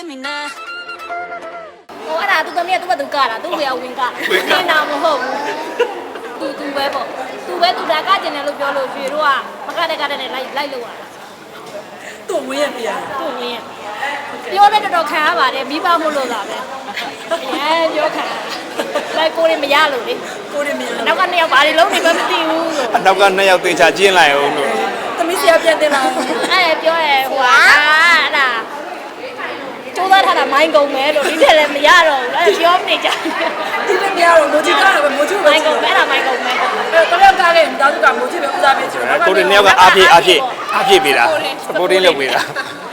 me now ဟိုအဲ့ဒါသူသမီးကသူ့ဘက်သူကတာသူ့ဝေဝင်ကနေတာနာမဟုတ်ဘူးသူပဲပေါ့သူဒါကကျင်တယ်လို့ပြောလို့ရွှေတို့ကမကတဲ့နဲ့လိုက်လို့ရတာသူ့ဝင်းရပြရသူ့ဝင်းရပြောတဲ့တော်ခံရပါတယ်မိဘမို့လို့လာပဲအဲပြောခံလိုက်ကိုရင်မရလို့လေကိုရမင်းနောက်က2ယောက်ဘာတွေလုံးနေမှမသိဘူးအနောက်က2ယောက်သေချာကျင်းလိုက်အောင်လို့သမီးဆရာပြန်တင်လာအဲပြောရဲဟိုဟာအဲ့ဒါကျိုးသားထားတာမိုင်းကုန်မယ်လို့ဒီထက်လည်းမရတော့ဘူးအဲ့ပြောနေကြဒီလိုများတော့မိုးကြီးကားတော့မိုးကြီးပဲမိုင်းကုန်မယ်အဲ့ဒါမိုင်းကုန်မယ်အဲတော့ယောက်ကားခဲ့တာသူကမိုးကြီးပဲဦးစားပေးချင်တယ်ကိုတွေ2ယောက်ကအားဖြည့်ပေးတာစပိုတင်းလုပ်ပေးတာ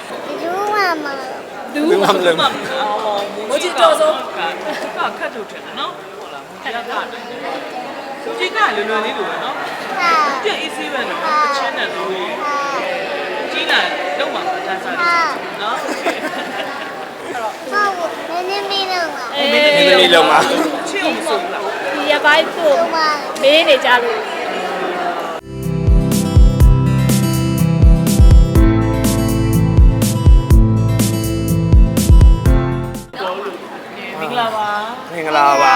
ဘူးမမလို့မိုးကြီးတော့ဆုံးကခတ်ထုတ်တယ်နော်ဟုတ်လားခတ်တာသူကြီးကလွယ်လွယ်လေးလိုပဲနော်ပြည့် easy ပဲနော်အချင်းနဲ့သူကြီးလာလုံးဝမတန်းစားဘူးနော်အေးနည်းလုံးမှာချစ်အောင်ဆိုလားဒီရပိုင်းသူ့မေးနေကြလို့မင်္ဂလာပါမင်္ဂလာပါ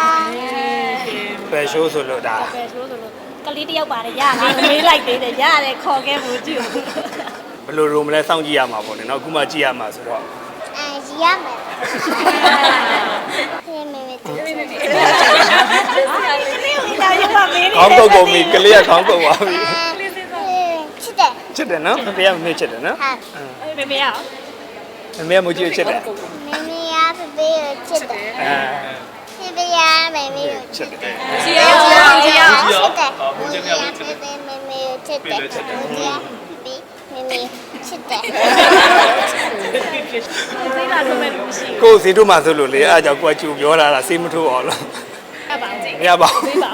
ပဲရှိုးဆိုလို့ဒါပဲဆိုလို့ကလေးတယောက်ပါတယ်ရတယ်မေးလိုက်သေးတယ်ရတယ်ခေါ်ခဲ့ဖို့ကြည့်ဘယ်လိုရုံမလဲစောင့်ကြည့်ရမှာပေါ့လေနော်အခုမှကြည့်ရမှာဆိုတော့ရမယ်ဖေးမေမေတူဒါရပါမေးနေခေါင်းကုတ်ကုန်ပြီကလေးကခေါင်းကုတ်သွားပြီချစ်တယ်ချစ်တယ်နော်ဖေကမမေ့ချစ်တယ်နော်ဟာမေမေရအောင်မမေကမကြည့်ချစ်တယ်မေမေရဖေးဖေးကိုချစ်တယ်အဲဖေးဖေးရမေမေကိုချစ်တယ်ကြည့်ရအောင်ကြည့်ရအောင်ချစ်တယ်မေမေရဖေးဖေးမေမေကိုချစ်တယ်မေမေရဖေးမေမေချစ်တယ်သိလာတော့မယ်လို့ရှိကိုယ်စီတို့မှဆိုလို့လေအားကြောင့်ကိုကကျူပြောလာတာစေးမထိုးအောင်လို့အပ်ပါအောင်မရပါဘူးသိပါအောင်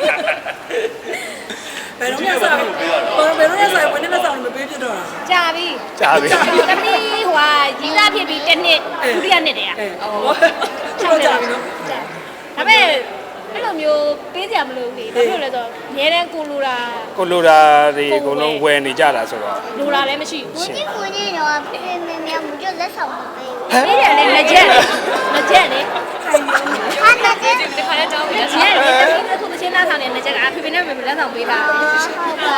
ဘယ်တော့မှစားဘယ်တော့မှစားဝင်နေမစားလို့မပေးဖြစ်တော့တာကြာပြီကြားပြီသမီးဟိုဟာရီးသားဖြစ်ပြီးတစ်နှစ်ဒုတိယနှစ်တည်းอ่ะဟောချိုးကြပြီနော်ဒါပေမဲ့အဲ့လိုမျိုးပေးကြမလို့လေဘာဖြစ်လို့လဲဆိုတော့အများတန်းကိုလိုတာကိုလိုတာတွေအကုန်လုံးဝယ်နေကြတာဆိုတော့လိုတာလည်းမရှိဘူးဒီကိုကြီးတော့ဖေးဖေးမေမေမကြလက်ဆောင်မပေးဘူးပေးတယ်လေငကြက်လေဟာတကယ်ဒီခါလေးတောင်းပြီးတော့ရဲလေတမီးအခုမချင်းသားဆောင်နေငကြက်ကဖေဖေနဲ့မေမေလက်ဆောင်ပေးတာဟုတ်ပါဒါ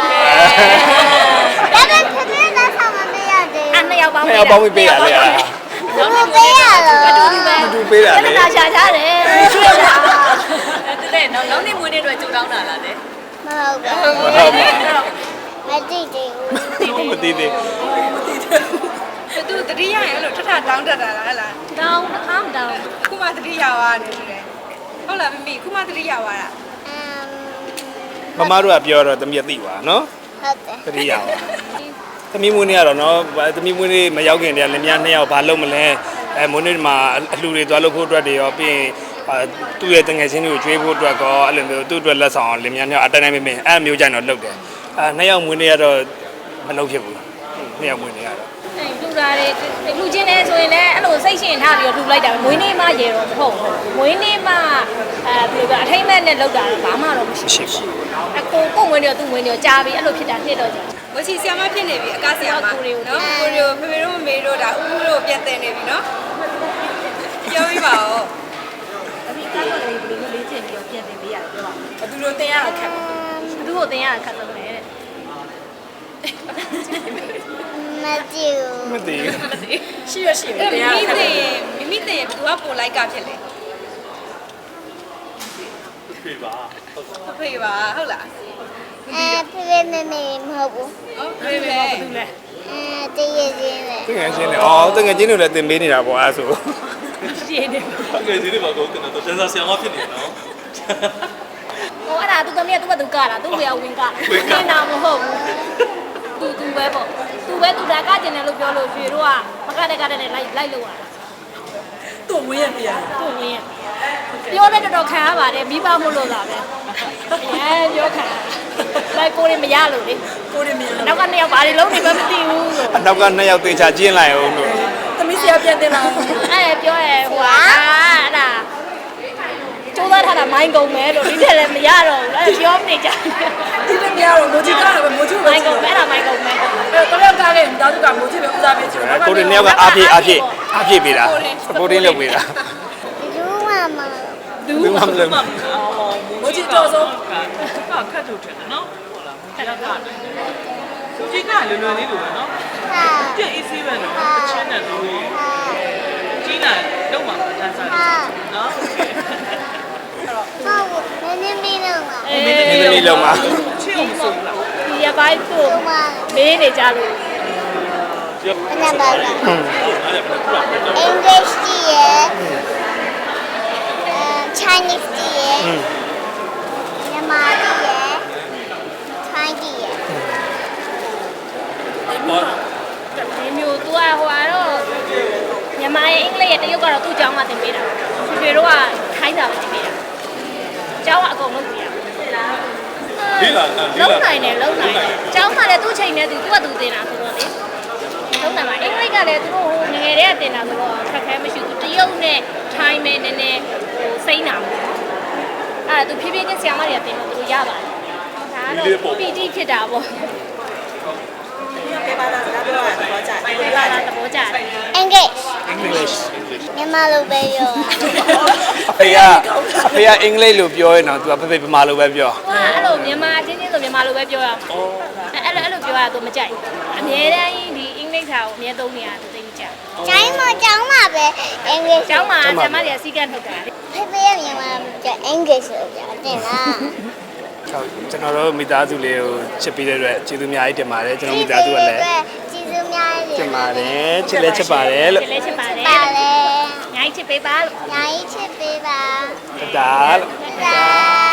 ပေမဲ့ဖေးဖေးလက်ဆောင်မပေးရသေးအဲ့နှစ်ယောက်ပေါင်းမရပေါင်းပြီးပေးရလေအားဘူးမပေးရတော့အတူတူပဲတူပေးတာအဲ့လေဒါရှာကြတယ်ကျွေးတာတဲ့နောက်နေ့မွေးနေ့အတွက်ကြိုတောင်းတာလားတဲ့မဟုတ်ပါဟုတ်ပါမသိသေးဘူးဘူးမသိသေးသူတတိယရအဲ့လိုထထတောင်းတတ်တာလားဟလားတောင်းတစ်ခါမတောင်းခုမှတတိယဝါနေတယ်ဟုတ်လားမမီခုမှတတိယဝါတာမမတို့ကပြောတော့သမီးကသိပါနော်ဟုတ်တယ်တတိယပါသမီးမွေးနေ့ကတော့နော်သမီးမွေးနေ့မရောက်ခင်တည်းကလည်းများ2ယောက်ဘာလုပ်မလဲမွေးနေ့မှာအလှူတွေသွားလုပ်ဖို့အတွက်တွေရောပြီးရင်သူ့ရဲ့တငယ်ချင်းတွေကိုကျွေးဖို့အတွက်ကောအဲ့လိုမျိုးသူ့အတွက်လက်ဆောင်အောင်လင်များ2ယောက်အတိုင်းမင်းအဲ့မျိုးကြိုင်တော့လုပ်တယ်2ယောက်မွေးနေ့ကတော့မလုပ်ဖြစ်ဘူး2ယောက်မွေးနေ့ကတော့အဲ့လူတာတွေလူချင်းနေဆိုရင်လည်းအဲ့လိုစိတ်ရှင်ထားပြီးတော့လူလိုက်တာပဲမွေးနေ့မှရေတော့မဟုတ်ဘူးမွေးနေ့မှဘယ်လိုပဲအထိမ့်မဲ့နဲ့လောက်တာဘာမှတော့မရှိဘူး အကိုမွေးနေတော့သူ့မွေးနေတော့ကြားပြီးအဲ့လိုဖြစ်တာနှစ်တော့ကြာဝစီဆီယမဖြစ်နေပြီအကားဆီယမနော်ကိုရီကိုဖေဖေတို့မမေတို့ဒါဥမှုတို့ပြန်တင်နေပြီနော်ပြောပြပါဦးအမိကားတော့လည်းဘယ်လိုလေးချင်းပြီးတော့ပြန်တင်ပေးရတယ်ပြောပါဘသူတို့တင်ရတာခက်ပါဘူးသူ့ကိုတင်ရတာခက်ဆုံးတယ်တဲ့မကြည့်ဘူးမသိဘူးရှိရရှိတယ်တင်ရတာခက်တယ်မိမိတင်ဘသူကပိုလိုက်ကဖြစ်လဲဖေပါဟုတ်လားဖေးဖေးမေမေမဟုတ်ဘူးဟုတ်ဖေဖေသူလဲတည့်ရချင်းပဲတငယ်ချင်းတွေအော်တငယ်ချင်းတွေလည်းတင်ပေးနေတာပေါ့အဲ့ဆိုရှင်းနေငယ်ချင်းတွေပါကောတင်တော့တန်းစားဆရာမဖြစ်နေနော်ဟိုအဲ့ဒါသူသမီးကသူ့ဘက်သူကတာသူ့ဝေဝင်ကနေတာမဟုတ်ဘူးသူပဲပေါ့သူဒါကကျင်တယ်လို့ပြောလို့ရွှေတို့ကမကတဲ့နဲ့လိုက်လို့ရတာသူ့ဝင်းရပြရသူ့ဝင်းရပြောတဲ့တော်ခံရပါတယ်မိဘမို့လို့လာပဲအဲပြောခံလိုက်ကိုရင်မရလို့လေကိုရမင်းနောက်က2ယောက်ဘာတွေလုံးနေမှမသိဘူးအနောက်က2ယောက်သေချာကျင်းလိုက်အောင်လို့သမီးဆရာပြန်တင်လာအဲပြောရဲဟိုဟာအဲ့ဒါကျိုးသားထားတာမိုင်းကုန်မယ်လို့ဒီထက်လည်းမရတော့ဘူးအဲ့ပြောနေကြဒီလိုများတော့မိုးကြီးကားတော့မိုးကြီးပဲမိုင်းကုန်မယ်အဲ့ဒါမိုင်းကုန်မယ်အဲတော့ယောက်ကားခဲ့တာသူကမိုးကြီးပဲဦးစားပေးချင်တယ်ကိုတွေ2ယောက်ကအားဖြည့်အားပြည့်ပေးတာ supporting လုပ်ပေးတာဘူးမမဘူးမှမလုပ်မူကြီးတော်ဆုံးကခတ်ထုတ်တယ်နော်ဟုတ်လားမူကြီးကလူကြီးကလွယ်လွယ်လေးလိုပဲနော်ဟာပြည့် easy ပဲနော်တချင်းနဲ့သူကြီးလာလုံးမှာတန်းစားတယ်နော်ဟုတ်နည်းနည်းလေးတော့ပါအေးနည်းနည်းလုံးမှာချစ်အောင်ဆိုလားဒီရပိုင်းသူ့ဘူးမမေးနေကြလို့ဘယ်နှပါလဲ English ကြီးရယ် Chinese ကြီးရယ်မြန်မာကြီးရယ် Thai ကြီးရယ်ဒီမျိုးသူကဟိုကတော့မြန်မာရဲ့အင်္ဂလိပ်ရဲ့တရုတ်ကတော့သူ့ကျောင်းမှာသင်ပေးတာဖေဖေတို့ကခိုင်းတာပဲသင်ပေးတာကျောင်းကအကုန်လုံးပြရလုံးနိုင်တယ်ကျောင်းမှာလည်းသူ့ချိန်နဲ့သူကသူသင်တာဆိုတော့လေလုံးနိုင်ပါအင်္ဂလိပ်ကလည်းသူတို့ဟိုငယ်တည်းကသင်တာဆိုတော့ခက်ခဲမရှိဘူးတရုတ်နဲ့ထိုင်းနဲ့နည်းနည်းဟိုစိမ့်တာပေါ့အဲ့ဒါသူဖြည်းဖြည်းချင်းဆရာမတွေကသင်လို့သူတို့ရပါတယ်ဒါကတော့ PT ဖြစ်တာပေါ့ကဲပါလားဒါပြောရတော့ကြာတယ်ဒီပါလားသဘောကျတယ် English English မြန်မာလိုပဲပြောအဖေကအင်္ဂလိပ်လိုပြောရင်တော့ तू ကဖေဗမာလိုပဲပြော။ဟာအဲ့လိုမြန်မာချင်းချင်းဆိုမြန်မာလိုပဲပြောရမှာ။အဲ့လိုပြောရတော့မကြိုက်ဘူး။အများတန်းဒီအင်္ဂလိပ်စာကိုအများသုံးနေရတာသိမကြဘူးကျိုင်းမကျောင်းမှာပဲ English ။ကျောင်းမှာဆရာမတွေကစီကတ်ထုတ်တာလေဖေဖေရမြန်မာကျ English ဆိုကြတယ်လားဟုတ်ကျွန်တော်တို့မိသားစုလေးကိုချစ်ပေးတဲ့အတွက်ကျေးဇူးအများကြီးတင်ပါတယ်ကျွန်တော်မိသားစုကလည်းကျေးဇူးများတတင်ပါတယ်ချစ်လဲချစ်ပါတယ်လို့။ဒီလေးချစ်ပါတယ်ပါလေ။ညာကြီးချစ်ပေးပါလို့ညာကြီးချစ်ပေးပါဒါလို့ဒါ